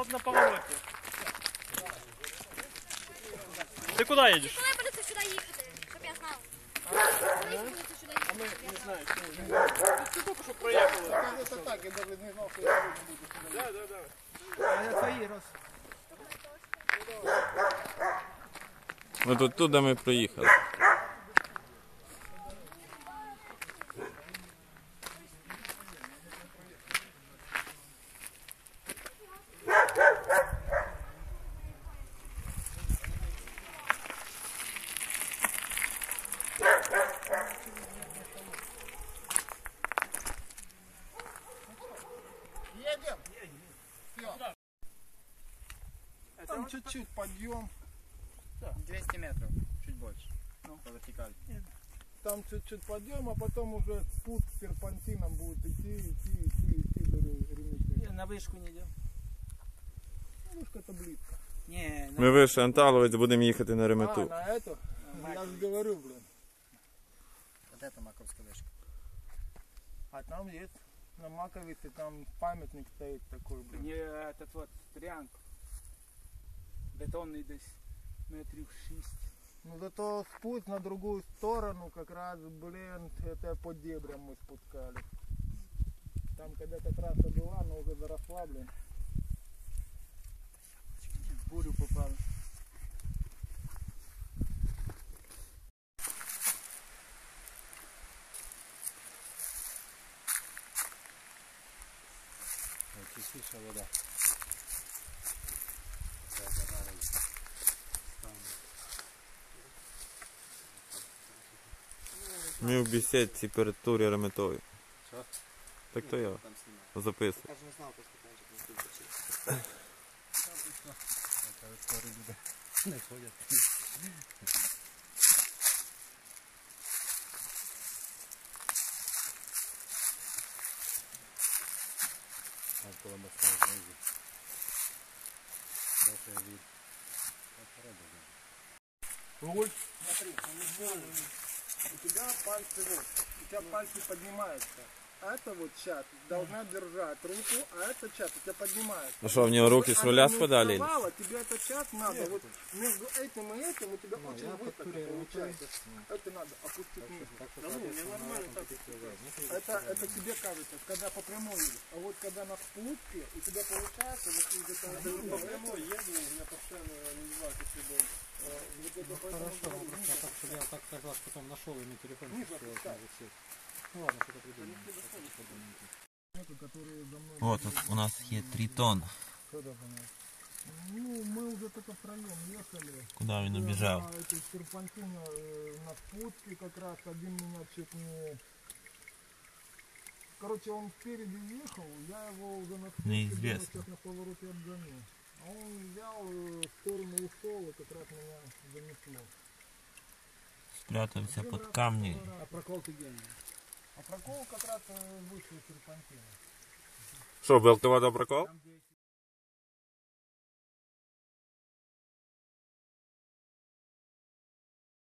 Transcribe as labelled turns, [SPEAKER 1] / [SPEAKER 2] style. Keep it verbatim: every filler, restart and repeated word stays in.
[SPEAKER 1] вот на повороте. Ты куда едешь?
[SPEAKER 2] Коли будете сюди їхати, щоб я знав? Коли будете сюди їхати?
[SPEAKER 1] А мы не знаю, что уже. Ты только что проехал.
[SPEAKER 3] Это так, я даже не знал, что я буду сюда.
[SPEAKER 1] Да, да, да.
[SPEAKER 3] А я твои раз.
[SPEAKER 4] Ну тут туди ми проїхали.
[SPEAKER 3] Едем? Все. Там чуть-чуть подъем.
[SPEAKER 5] двести метров, чуть больше, ну, по вертикали.
[SPEAKER 3] Там чуть-чуть подъем, а потом уже спуск серпантином будет идти, идти, идти, идти до Реметьева.
[SPEAKER 5] На вышку не идем.
[SPEAKER 3] Ну, вышка это близко.
[SPEAKER 5] Не,
[SPEAKER 4] Ми вийшли Анталовець, будемо їхати на
[SPEAKER 3] А,
[SPEAKER 4] Ремету.
[SPEAKER 3] на эту? Я же говорю, блин.
[SPEAKER 5] вот это Маковская вышка.
[SPEAKER 3] А там есть, на Маковице, там памятник стоит такой, блин.
[SPEAKER 6] Не этот вот триангл. Бетонный десь метрів шість.
[SPEAKER 3] Ну зато спуск на другую сторону, как раз, блин, это по дебрям мы спускали. Там когда-то трасса была, но уже заросла, блин.
[SPEAKER 6] В бурю попали.
[SPEAKER 5] Чистейшая вода.
[SPEAKER 4] Ми в бесідці перед турі Реметові.
[SPEAKER 5] Що?
[SPEAKER 4] Так то я записую.
[SPEAKER 5] Я же не знал, просто конечно, не не ходят. Около моста снизу. Дальше вид.
[SPEAKER 3] Руль, смотри, у тебя пальцы вот, у тебя пальцы поднимаются. А это вот сейчас должна держать руку, а это сейчас у тебя поднимается.
[SPEAKER 4] Ну що, в нього руки з руля
[SPEAKER 3] Она не
[SPEAKER 4] спадали?
[SPEAKER 3] вставала, тебе это сейчас надо, вот между этим и этим у тебя очень высоко получается. Это надо опустить ниже. Да ну, мне нормально так. Это, это тебе кажется, когда по прямой едешь. А вот когда на спуске, у тебя получается, вот из этого...
[SPEAKER 1] По прямой еду, у меня постоянно не знаю, как любой.
[SPEAKER 5] Хорошо, я так, чтобы я так как раз потом нашел и на телефон. Ну ладно, что-то придумаем.
[SPEAKER 4] От у нас є тритон.
[SPEAKER 3] Ну, мы уже только втроем ехали.
[SPEAKER 4] Куди він
[SPEAKER 3] На
[SPEAKER 4] убіжав?
[SPEAKER 3] этой серпантине, э, на спуске как раз один меня чуть не... Короче, он спереди ехал, я его уже на спуске
[SPEAKER 4] Неизвестно.
[SPEAKER 3] сейчас на повороте обгоню. А он взял, э, в сторону ушел, и как раз меня занесло.
[SPEAKER 4] Спрятався під камні.
[SPEAKER 6] А прокол ты гений.
[SPEAKER 3] А прокол как раз э, выше серпантина.
[SPEAKER 4] Що, Белтова до прокол?
[SPEAKER 6] Там, где